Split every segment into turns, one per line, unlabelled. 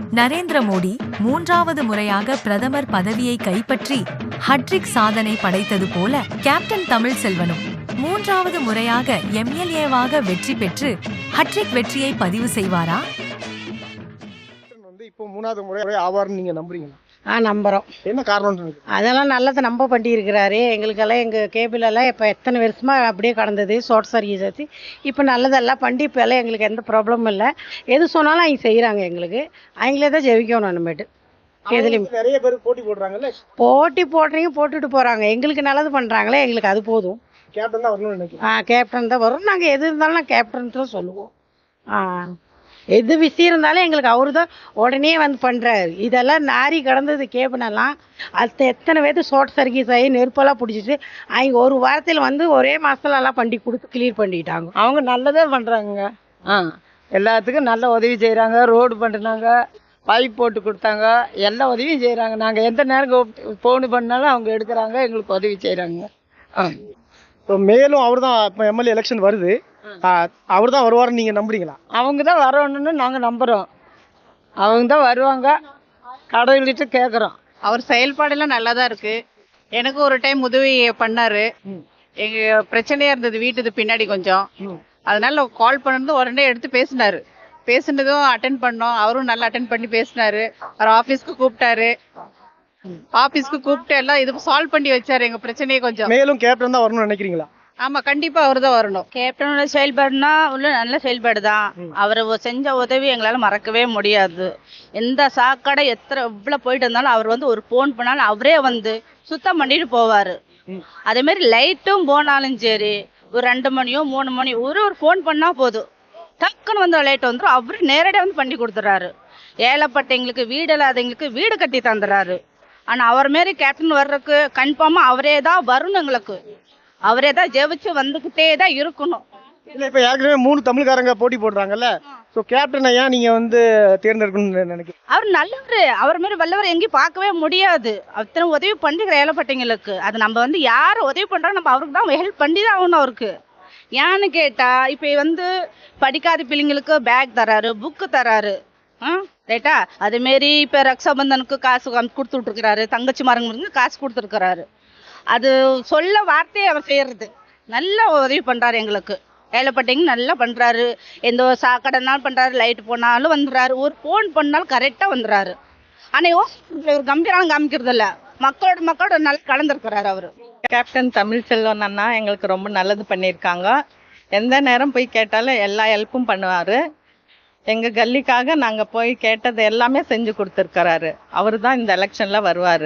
நரேந்திர மோடி 3வது முறையாக பிரதமர் பதவியை கைப்பற்றி ஹட்ரிக் சாதனை படைத்தது போல கேப்டன் தமிழ்செல்வனும் 3வது முறையாக எம்எல்ஏவாக வெற்றி பெற்று ஹட்ரிக் வெற்றியை பதிவு செய்வாரா?
இப்போ 3வது முறை ஆவார்னு நீங்க நம்புறீங்களா?
நம்புறோம்.
என்ன காரணம்?
அதெல்லாம் நல்லது நம்ப பண்ணி இருக்கிறாரு. எங்களுக்கெல்லாம் எங்கள் கேபிளெல்லாம் இப்போ எத்தனை வருஷமாக அப்படியே கடந்தது ஷார்ட் சர்வீஸ் ஆச்சு. இப்போ நல்லதெல்லாம் பண்ணி இப்போ எல்லாம் எங்களுக்கு எந்த ப்ராப்ளமும் இல்லை. எது சொன்னாலும் அவங்க செய்கிறாங்க. எங்களுக்கு அவங்களே தான் ஜெயிக்கணும். நம்மட்டு எதுலையும்
நிறைய பேர் போட்டி போடுறாங்கல்ல,
போட்டி போடுறீங்க போட்டுட்டு போகிறாங்க. எங்களுக்கு நல்லது பண்ணுறாங்களே, எங்களுக்கு அது போதும்.
கேப்டன் தான் வரணும்னு நினைக்கிறேன்.
கேப்டன் தான் வரும். நாங்கள் எது இருந்தாலும் நான் கேப்டன் தான் சொல்லுவோம். எது விஷயம் இருந்தாலும் எங்களுக்கு அவரு தான் உடனே வந்து பண்ணுறாரு. இதெல்லாம் நாரி கடந்தது கேபினெல்லாம். அது எத்தனை பேர்த்து ஷார்ட் சர்வீஸ் ஆகி நெருப்பெல்லாம் பிடிச்சிட்டு அவங்க ஒரு வாரத்தில் வந்து ஒரே மாதத்துல எல்லாம் பண்ணி கொடுத்து கிளியர் பண்ணிட்டாங்க.
அவங்க நல்லதே பண்ணுறாங்க. எல்லாத்துக்கும் நல்ல உதவி செய்கிறாங்க. ரோடு பண்ணினாங்க, பைப் போட்டு கொடுத்தாங்க, எல்லா உதவியும் செய்கிறாங்க. நாங்கள் எந்த நேரம் ஃபோனு பண்ணாலும் அவங்க எடுக்கிறாங்க, எங்களுக்கு உதவி செய்கிறாங்க.
இப்போ மேலும் அவர் தான் இப்போ எம்எல்ஏ எலெக்ஷன் வருது, அவர் தான் வருவார்னு நீங்கள் நம்புறீங்களா?
அவங்க தான் வரணும்னு நாங்கள் நம்புகிறோம். அவங்க தான் வருவாங்க, கடவுள்கிட்ட கேட்குறோம்.
அவர் செயல்பாடெல்லாம் நல்லா தான் இருக்கு. எனக்கு ஒரு டைம் உதவி பண்ணாரு. எங்க பிரச்சனையா இருந்தது வீட்டுக்கு பின்னாடி கொஞ்சம், அதனால கால் பண்ணது உடனே எடுத்து பேசினாரு. பேசுனதும் அட்டென்ட் பண்ணோம். அவரும் நல்லா அட்டென்ட் பண்ணி பேசினாரு. அவர் ஆபீஸ்க்கு கூப்பிட்டாரு. ஆபீஸ்க்கு கூப்பிட்டு எல்லாம் இது சால்வ் பண்ணி வச்சாரு எங்க பிரச்சனையை கொஞ்சம்.
மேலும் கேப்டன் தான் வரணும்னு நினைக்கிறீங்களா?
ஆமா, கண்டிப்பா அவர் தான் வரணும்.
கேப்டனோட செயல்பாடுனா உள்ள நல்ல செயல்பாடு தான். அவர் செஞ்ச உதவி எங்களால மறக்கவே முடியாது. எந்த சாக்கடை எவ்வளவு போயிட்டு இருந்தாலும் அவர் வந்து ஒரு போன் பண்ணாலும் அவரே வந்து சுத்தம் பண்ணிட்டு போவாரு. அதே மாதிரி லைட்டும் போனாலும் சரி, ஒரு 2 மணியோ 3 மணியோ ஒரு போன் பண்ணா போதும், டக்குன்னு வந்து லைட் வந்துடும். அவரு நேரடியாக வந்து பண்ணி கொடுத்துறாரு. ஏழைப்பட்டவங்களுக்கு வீடு இல்லாதவங்களுக்கு வீடு கட்டி தந்துடுறாரு. ஆனா அவர் மாரி கேப்டன் வர்றதுக்கு கன்ஃபார்மா அவரே தான் வரணும். எங்களுக்கு அவரே தான் ஜெயிச்சு வந்துகிட்டே தான் இருக்கணும்.
இல்லை, இப்போ ஏற்கனவே 3 தமிழ்காரங்க போட்டி போடுறாங்கல்ல, ஸோ கேப்டனை ஏன் நீங்கள் வந்து தேர்ந்தெடுக்கணும்னு நினைக்கிறீங்க?
அவர் நல்லவர். அவர் மாதிரி வல்லவர் எங்கேயும் பார்க்கவே முடியாது. அத்தனை உதவி பண்ணிக்கிற ஏழைப்பட்டவங்களுக்கு அது நம்ம வந்து யார் உதவி பண்றோம் நம்ம அவருக்கு தான் ஹெல்ப் பண்ணி தான் ஆகணும். அவருக்கு ஏன்னு கேட்டா இப்போ வந்து படிக்காத பிள்ளைங்களுக்கு பேக் தராரு, புக்கு தராரு, ரைட்டா? அதுமாரி இப்போ ரக்ஷாபந்தனுக்கு காசு கொடுத்துட்டு இருக்கிறாரு. தங்கச்சி மரங்களுக்கு காசு கொடுத்துருக்கிறாரு. அது சொல்ல வார்த்தையை அவர் செய்யறது. நல்ல உதவி பண்றாரு எங்களுக்கு. ஏழைப்பட்டவங்க நல்லா பண்றாரு. எந்த சாக்கடைனாலும் பண்றாரு, லைட் போனாலும் வந்துடுறாரு, ஒரு போன் பண்ணாலும் கரெக்டா வந்துடுறாரு. ஆனா ஒரு கம்பீரம் காமிக்கிறது இல்ல. மக்களோட நல்லா கலந்துருக்கிறாரு அவரு.
கேப்டன் தமிழ்செல்வன் அண்ணா எங்களுக்கு ரொம்ப நல்லது பண்ணியிருக்காங்க. எந்த நேரம் போய் கேட்டாலும் எல்லா ஹெல்ப்பும் பண்ணுவார். எங்கள் கல்லிக்காக நாங்கள் போய் கேட்டது எல்லாமே செஞ்சு கொடுத்துருக்கிறாரு. அவர் தான் இந்த எலெக்ஷனில் வருவார்.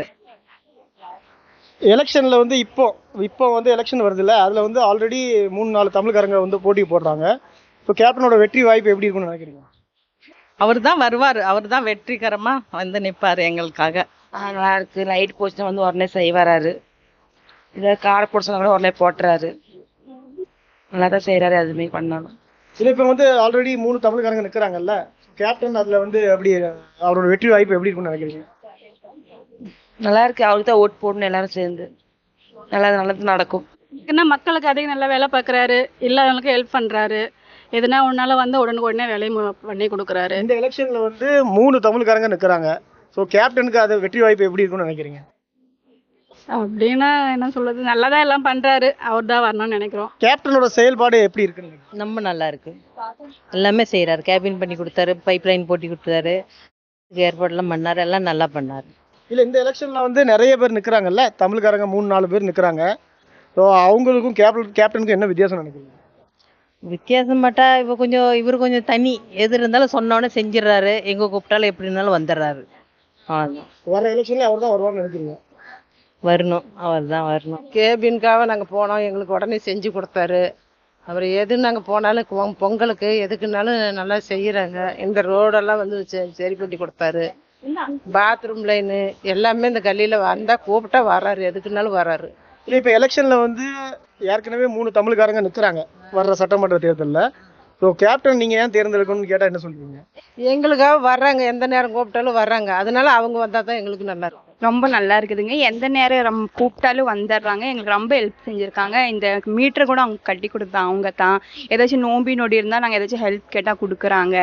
எலெக்ஷனில் வந்து இப்போ வந்து எலெக்ஷன் வருதுல்ல, அதில் வந்து ஆல்ரெடி 3-4 தமிழ்காரங்க வந்து போட்டி போடுறாங்க. இப்போ கேப்டனோட வெற்றி வாய்ப்பு எப்படி இருக்குன்னு நினைக்கிறீங்க?
அவர் தான் வருவார். அவர் தான் வெற்றிகரமாக வந்து நிற்பார் எங்களுக்காக.
நல்லா இருக்கு. லைட் போச்சுன்னா வந்து உடனே செய்வாராரு. இதை காரை போட சொன்னா கூட உடனே போட்டுறாரு. நல்லா தான் செய்கிறாரு. அதுமாரி பண்ணணும்.
இல்லை, இப்போ வந்து ஆல்ரெடி 3 தமிழ்காரங்க நிற்கிறாங்கல்ல, கேப்டன் அதில் வந்து எப்படி அவரோட வெற்றி வாய்ப்பு எப்படி இருக்குன்னு நினைக்கிறீங்க?
நல்லா இருக்கு. அவருக்கு தான் ஓட்டு போடணும் எல்லாரும் சேர்ந்து. நல்லது நடக்கும்.
மக்களுக்கு அதிகம் நல்லா வேலை பார்க்குறாரு. இல்லாதவங்களுக்கு ஹெல்ப் பண்ணுறாரு. எதுனா ஒன்னால வந்து உடனே வேலையை பண்ணி கொடுக்குறாரு.
இந்த எலெக்ஷனில் வந்து 3 தமிழ்காரங்க நிற்கிறாங்க. ஸோ கேப்டனுக்கு அது வெற்றி வாய்ப்பு எப்படி இருக்குன்னு நினைக்கிறீங்க?
அப்படின்னா என்ன சொல்றது, நல்லா தான் எல்லாம் பண்ணுறாரு. அவர் தான் வரணும்னு நினைக்கிறோம்.
கேப்டனோட செயல்பாடு எப்படி இருக்குன்னு?
ரொம்ப நல்லா இருக்கு. எல்லாமே செய்கிறாரு. கேபின் பண்ணி கொடுத்தாரு, பைப் லைன் போட்டி கொடுத்தாரு, ஏற்பாடுலாம் பண்ணார். எல்லாம் நல்லா பண்ணார்.
இல்லை, இந்த எலெக்ஷனில் வந்து நிறைய பேர் நிற்கிறாங்கல்ல, தமிழ்காரங்க 3-4 பேர் நிற்கிறாங்க. ஸோ அவங்களுக்கும் கேப்டனுக்கும் என்ன வித்தியாசம் நினைக்கிறீங்க?
வித்தியாசம் மாட்டா இப்போ இவர் கொஞ்சம் தனி. எது இருந்தாலும் சொன்னோன்னே செஞ்சிடறாரு. எங்கே கூப்பிட்டாலும் எப்படி இருந்தாலும் வந்துடுறாரு. அவ்வளோதான்.
வர எலெக்ஷனில் அவர் தான் வருவார்னு நினைக்கிறீங்க?
வரணும், அவர் தான் வரணும்.
கேபின்காக நாங்கள் போனோம். எங்களுக்கு உடனே செஞ்சு கொடுத்தாரு. அவர் எது நாங்கள் போனாலும் பொங்கலுக்கு எதுக்குனாலும் நல்லா செய்கிறாங்க. இந்த ரோடெல்லாம் வந்து சரி பண்ணி கொடுத்தாரு. பாத்ரூம் லைனு எல்லாமே இந்த கல்லியில் வந்தால் கூப்பிட்டா வராரு. எதுக்குனாலும் வராரு.
இல்லை, இப்போ எலெக்ஷனில் வந்து ஏற்கனவே 3 தமிழ்காரங்க நிற்கிறாங்க வர்ற சட்டமன்ற தேர்தலில். ஸோ கேப்டன் நீங்கள் ஏன் தேர்ந்தெடுக்கணும்னு கேட்டால் என்ன சொல்லுவீங்க?
எங்களுக்காக வர்றாங்க. எந்த நேரம் கூப்பிட்டாலும் வர்றாங்க. அதனால அவங்க வந்தால் தான் எங்களுக்கு நல்லா இருக்கும்.
ரொம்ப நல்லா இருக்குதுங்க. எந்த நேரம் கூப்பிட்டாலும் வந்துடுறாங்க. எங்களுக்கு ரொம்ப ஹெல்ப் செஞ்சுருக்காங்க. இந்த மீட்டரை கூட அவங்க கட்டி கொடுத்தாங்க. அவங்க தான் ஏதாச்சும் நோம்பி நொடி இருந்தால் நாங்கள் ஏதாச்சும் ஹெல்ப் கேட்டால் கொடுக்குறாங்க.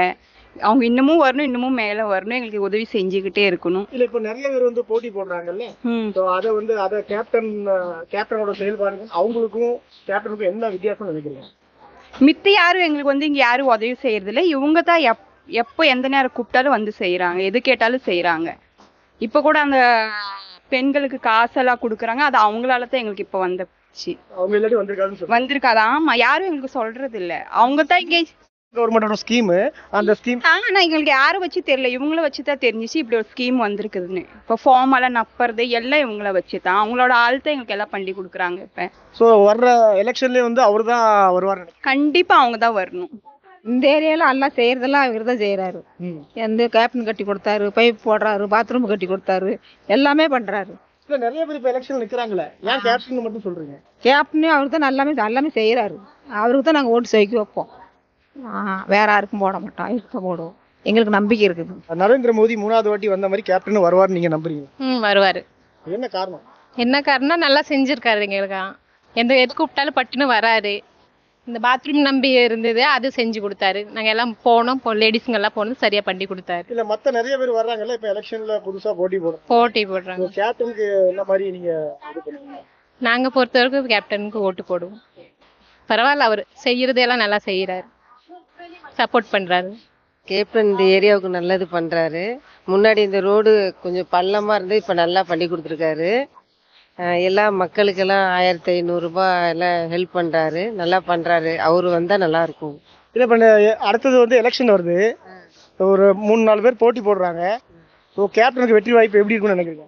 அவங்க இன்னமும் வரணும், இன்னமும் மேலே வரணும், எங்களுக்கு உதவி செஞ்சுக்கிட்டே இருக்கணும்.
இல்ல இப்போ நிறைய பேர் வந்து போட்டி போடுறாங்கல்ல, ஸோ அதை கேப்டனோட செயல்பாடுகள் அவங்களுக்கும் கேப்டனுக்கும் என்ன வித்தியாசம் நினைக்கிறீங்க?
மித்த யாரும் எங்களுக்கு வந்து இங்கே யாரும் உதவி செய்யறதில்ல. இவங்க தான் எப்போ எந்த நேரம் கூப்பிட்டாலும் வந்து செய்கிறாங்க, எது கேட்டாலும் செய்கிறாங்க. இப்போ கூட அந்த பெண்களுக்கு காசெல்லாம் கொடுக்குறாங்க, அது அவங்களால தான் எங்களுக்கு இப்போ வந்துச்சு.
அவங்க இல்லாட்டி
வந்திருக்காது. ஆமா, யாரும் எங்களுக்கு சொல்றது இல்ல. அவங்க தான் இங்கே
கவர்மெண்டோட ஸ்கீம், அந்த ஸ்கீம்
ஆனா எங்களுக்கு யாரும் வச்சு தெரியல, இவங்கள வச்சு தான் தெரிஞ்சிச்சு இப்படி ஒரு ஸ்கீம் வந்திருக்குதுன்னு. இப்போ ஃபார்ம் எல்லாம் நப்புறது எல்லாம் இவங்கள வச்சு தான், அவங்களோட ஆள் தான் எங்களுக்கு எல்லாம் பண்ணி கொடுக்குறாங்க. இப்போ
ஸோ வர்ற எலெக்ஷன்லேயே வந்து அவர் தான் வருவார்.
கண்டிப்பா அவங்க தான் வரணும்.
இந்த ஏரியால எல்லாம் செய்யறதெல்லாம் இவர் தான் செய்யறாரு. எந்த கேப்டன் கட்டி கொடுத்தாரு, பைப் போடுறாரு, பாத்ரூம் கட்டி கொடுத்தாரு, எல்லாமே பண்றாரு.
இல்ல நிறைய பேர் இப்போ எலெக்ஷன் நிற்கிறாங்களே, ஏன் கேப்டன் மட்டும் சொல்றீங்க?
கேப்டனே அவருக்கு தான் எல்லாமே செய்யறாரு. அவருக்கு தான் நாங்கள் ஓட்டு செய்ய வைப்போம். வேற யாருக்கும் போட மாட்டோம், அவருக்கு தான் போடுவோம். எங்களுக்கு நம்பிக்கை இருக்குது.
நரேந்திர மோடி 3வது வாட்டி வந்த மாதிரி கேப்டன் வருவார்னு நீங்க நம்புறீங்க?
வருவாரு.
என்ன காரணம்?
என்ன காரணம், நல்லா செஞ்சிருக்காரு எங்களுக்கு. எது கூப்பிட்டாலும் பட்டுன்னு வராரு. இந்த பாத்ரூம் நம்பி இருந்தது, அது செஞ்சு கொடுத்தாரு. நாங்க எல்லாம் போனோம், லேடிஸுங்க எல்லாம் போனோம், சரியா பண்ணி கொடுத்தாரு.
இல்ல மத்த நிறைய பேர் வர்றாங்கல்ல, இப்ப எலெக்ஷன்ல புதுசா போட்டி
போடுறாங்க.
கேப்டனுக்கு என்ன மாதிரி நீங்க இது பண்ணுவீங்க?
நாங்க பொறுத்தவரைக்கும் கேப்டனுக்கு ஓட்டு போடுவோம். பரவாயில்ல, அவர் செய்யறதெல்லாம் நல்லா செய்யறாரு, சப்போர்ட் பண்றாரு.
கேப்டன் இந்த ஏரியாவுக்கு நல்லது பண்றாரு. முன்னாடி இந்த ரோடு கொஞ்சம் பள்ளமா இருந்து இப்ப நல்லா பண்ணி கொடுத்துருக்காரு. எல்லா மக்களுக்கெல்லாம் 1500 ரூபாய் எல்லாம் ஹெல்ப் பண்றாரு, நல்லா பண்றாரு. அவரு வந்தா நல்லா இருக்கும்.
இல்ல இப்ப அடுத்தது வந்து எலெக்ஷன் வருது, ஒரு 3-4 பேர் போட்டி போடுறாங்க. ஸோ கேப்டனுக்கு வெற்றி வாய்ப்பு எப்படி இருக்கும்னு நினைக்கிறீங்க?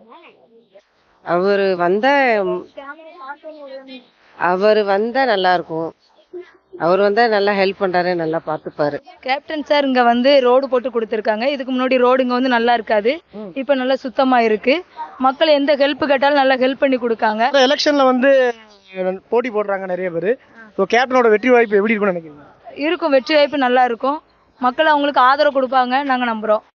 அவர் வந்தா நல்லா இருக்கும். அவர் வந்தா நல்லா ஹெல்ப் பண்றாரு, நல்லா பார்த்துப்பாரு.
கேப்டன் சார் இங்க வந்து ரோடு போட்டு கொடுத்துருக்காங்க. இதுக்கு முன்னாடி ரோடு இங்க வந்து நல்லா இருக்காது, இப்ப நல்லா சுத்தமா இருக்கு. மக்கள் எந்த ஹெல்ப் கேட்டாலும் நல்லா ஹெல்ப் பண்ணி கொடுக்காங்க.
எலெக்ஷன்ல வந்து போட்டி போடுறாங்க நிறைய பேர். ஸோ கேப்டனோட வெற்றி வாய்ப்பு எப்படி இருக்கும்னு நினைக்கிறீங்க?
இருக்கும், வெற்றி வாய்ப்பு நல்லா இருக்கும். மக்கள் அவங்களுக்கு ஆதரவு கொடுப்பாங்க, நாங்க நம்புறோம்.